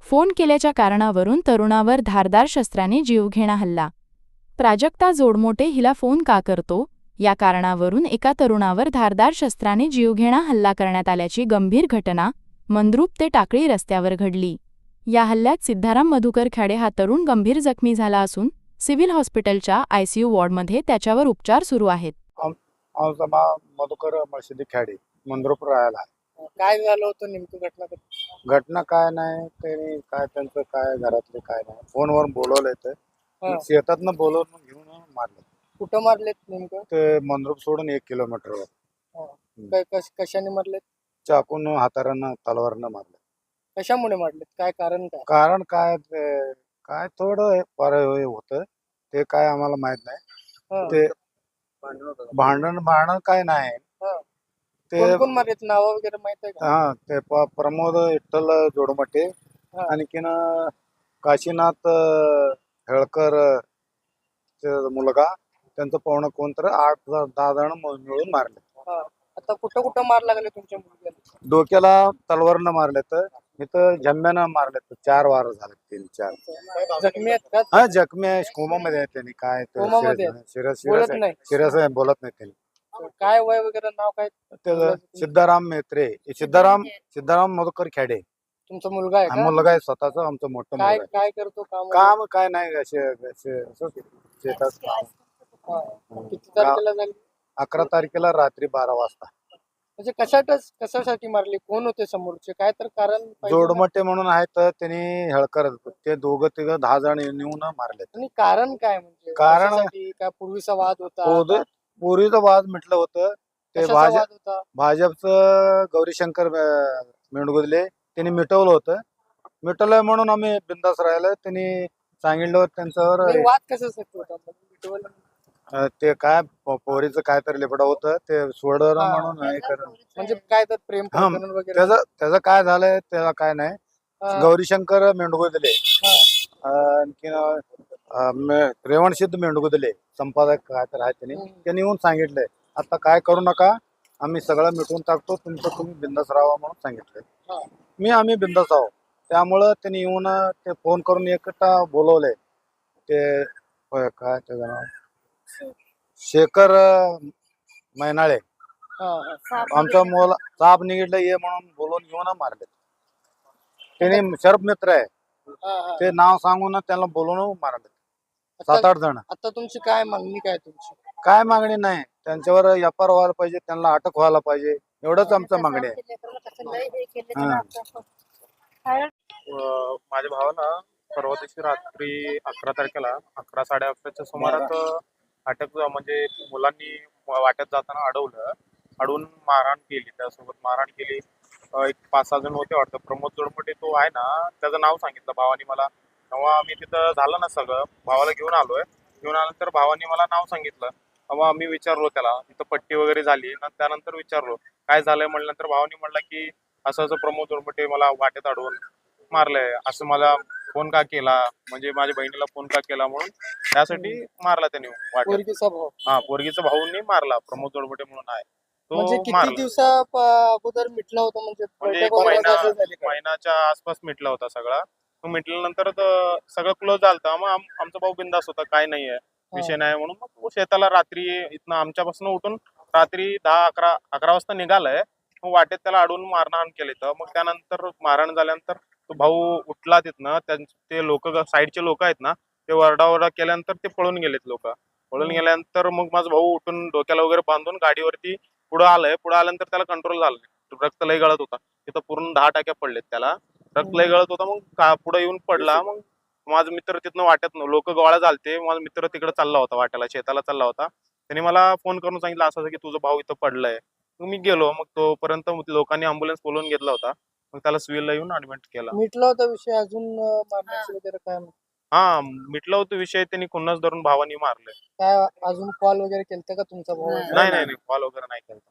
Phone केल्याच्या कारणावरून तरुणावर धारदार शस्त्राने जीवघेणा हल्ला. प्राजक्ता जोडमोटे हिला फोन का करतो या कारणावरून एका तरुणावर धारदार शस्त्राने जीवघेणा हल्ला करण्यात आल्याची गंभीर घटना मंद्रुप ते टाकळी रस्त्यावर घडली. या हल्ल्यात सिद्धाराम मधुकर खाडे हा तरुण गंभीर जखमी झाला असून सिव्हिल हॉस्पिटलच्या आयसीयू वॉर्डमध्ये त्याच्यावर उपचार सुरू आहेत. आमचा मधुकर मळशिदी खेडी मंद्रुप राहायला. काय झालं होतं नेमकं घटना? घटना काय नाही, त्यांनी काय त्यांचं काय घरातले काय नाही, फोनवर बोलवलंय हा. शेतातनं बोलवून घेऊन मारले. कुठं मारलेत नेमकं? ते मंद्रुप सोडून 1 किलोमीटरवर कशाने मारलेत? चाकून, हातारानं, तलवारनं मारले. कशामुळे मारलेत? काय कारण काय? कारण काय काय थोडं होतं ते काय आम्हाला माहित नाही. हा. ते भांडण काय नाही. हा. ते कोण कोण मारलेत? नाव वगैरे माहित आहे का? हा ते प्रमोद विठ्ठल जोडमटे, हा. आणखीन काशीनाथ हेळकर मुलगा, त्यांचं पाहुणं कोणतर 8-10 जण मिळून मारले. हा. आता कुठं कुठं मार लागले तुमच्या मुलग्याला? डोक्याला तलवारनं मारलेत, इथं झंब्यानं मारलेत. 4 वार झाले, 3-4. जखमी आहेत का? हा जखमी आहे, कोमामध्ये आहे. त्यांनी काय कोमामध्ये आहेत? बोलत नाही? सिरियस आहे, बोलत नाही त्यांनी. काय वय वगैरे नाव काय? त्याचं सिद्धाराम मेत्रे, सिद्धाराम मधुकर खेडे. तुमचा मुलगा आहे का? मुलगा आहे स्वतःच, आमचं मोठं काय मुलगा आहे. काय करतो काम? काम काय नाही, शेतात काम. हा. किती तारखेला झाली? 11 तारखेला रात्री 12 वाजता. म्हणजे कशासाठी मारली? कोण होते समोरचे? काय तर कारण पाहिजे ना? जोडमटे म्हणून आहेत, त्यांनी हेळकर, ते 2-10 जण येऊन मारले. आणि कारण काय? म्हणजे कारण- कशासाठी? काय पूर्वीचा वाद होता? पूर्वीचं वाद म्हटलं होतं ते कशाचा भाजप वाद होता? भाजपचं गौरीशंकर मेंढगुदले त्यांनी मिटवलं होतं. मिटवलंय म्हणून आम्ही बिंदास राहिलो. त्यांनी सांगितलं त्यांच्यावर नाही, वाद कशासाठी होता? मिटवलं? ते काय पोरीचं काय तर लिपडा होतं, ते सोडवलं हा. म्हणून हे करणं. म्हणजे काय तर प्रेम हा, प्रकरण वगैरे? त्याचं काय झालंय त्याला काय नाही. हा. गौरीशंकर मेंढगुदले, हा. आणखीन रेवणसिद्ध मेंढगुदले संपादक काय तर आहे, त्यांनी येऊन सांगितलंय आता काय करू नका, आम्ही सगळं मिटवून टाकतो, तुमचं तुम्ही बिंदास राहा म्हणून सांगितलंय. हा. आम्ही बिंदास आहोत. त्यामुळं त्यांनी येऊन ते फोन करून एकटा बोलवलंय. ते काय त्याचं नाव शेखर मैनाळे, हा. हा. आमचा मुला साप निघितलं ये म्हणून बोलून घेऊन मारले. त्यांनी शरप मित्र आहे, हा. हा. ते नाव सांगून त्यांना बोलून मारले. 7-8 जण. आता तुमची काय मागणी? काय तुमची? काय मागणी नाही, त्यांच्यावर एफआर व्हायला पाहिजे, त्यांना अटक व्हायला पाहिजे, एवढंच आमचं मागणी आहे. माझ्या भावाला परवा दिवशी रात्री 11 तारखेला 11-11:30च्या सुमारात अटक, म्हणजे मुलांनी वाट्यात जाताना अडवून मारहाण केली. त्यासोबत मारहाण केली. एक 5-6 जण होते वाटतं. प्रमोद जोडमटे तो आहे ना, त्याचं नाव सांगितलं भावानी मला. तेव्हा मी तिथं झालं ना सगळं, भावाला घेऊन आल्यानंतर भावानी मला नाव सांगितलं. तेव्हा मी विचारलो त्याला, तिथं पट्टी वगैरे झाली. त्यानंतर विचारलो काय झालंय म्हणल्यानंतर भावानी म्हणला की असं प्रमोद जोडमटे मला वाटेत अडवून मारलंय, असं मला फोन का केला, म्हणजे माझ्या बहिणीला फोन का केला म्हणून त्यासाठी मारला त्याने वाटेत. पोरगीचा भाऊ? हा, पोरगीचा भाऊंनी मारला, प्रमोद जोडमटे म्हणून आहे म्हणजे तो किती मारला. दिवसा अगोदर मिटला होता? म्हणजे म्हणजे बैठक वगैरे असं झाली का? महिन्याच्या आसपास मिटला होता सगळा. तो मिटल्यानंतर सगळं क्लोज झालं. मग आमचा भाऊ बिंदास होता, काय नाहीये विषय नाही म्हणून. मग तो शेताला रात्री इथनं आमच्यापासून उठून रात्री 10-11 वाजता निघालाय. मग वाटेत त्याला अडवून मारहाण केली. तर मग त्यानंतर मारहाण झाल्यानंतर तो भाऊ उठला तिथनं. ते लोक, साईडचे लोक आहेत ना, ते वरडावरडा केल्यानंतर ते पळून गेलेत लोक. पळून गेल्यानंतर मग माझा भाऊ उठून डोक्याला वगैरे बांधून गाडीवरती पुढे आल्यानंतर त्याला कंट्रोल झालं. रक्त लय गळत होता, तिथं पूर्ण 10 टाक्या पडलेत त्याला. रक्त लय गळत होता. मग पुढे येऊन पडला. मग माझा मित्र तिथनं वाट्यात लोक गोळा झालते. माझा मित्र तिकडे चालला होता, वाट्याला शेताला चालला होता. त्यांनी मला फोन करून सांगितलं असं की तुझा भाऊ इथं पडलाय. मग मी गेलो. मग तोपर्यंत लोकांनी अँब्युलन्स बोलवून घेतला होता. मग त्याला सिव्हिलला येऊन ऍडमिट केला. मिटला होता विषय? अजून मारण्याचं वगैरे काय? हा, मिटला होता विषय. त्यांनी खुन्नस धरून भावानी मारले. काय अजून कॉल वगैरे केलता का तुमचा भाऊ? नाही, कॉल वगैरे नाही केला.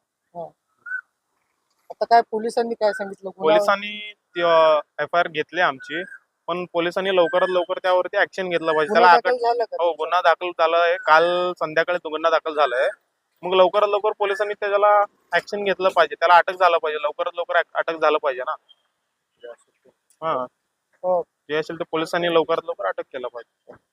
आता काय पोलिसांनी काय सांगितलं? पोलिसांनी FIR घेतली आमची, पण पोलिसांनी लवकरात लवकर त्यावरती ऍक्शन घेतलं पाहिजे. गुन्हा त्याला दाखल झाला का? हो, गुन्हा दाखल झालाय. काल संध्याकाळी तो गुन्हा दाखल झालाय. मग लवकरात लवकर पोलिसांनी त्याला ऍक्शन घेतलं पाहिजे, त्याला अटक झालं पाहिजे, लवकरात लवकर अटक झालं पाहिजे ना. हा, हो. जे असेल ते पोलिसांनी लवकरात लवकर अटक केलं पाहिजे.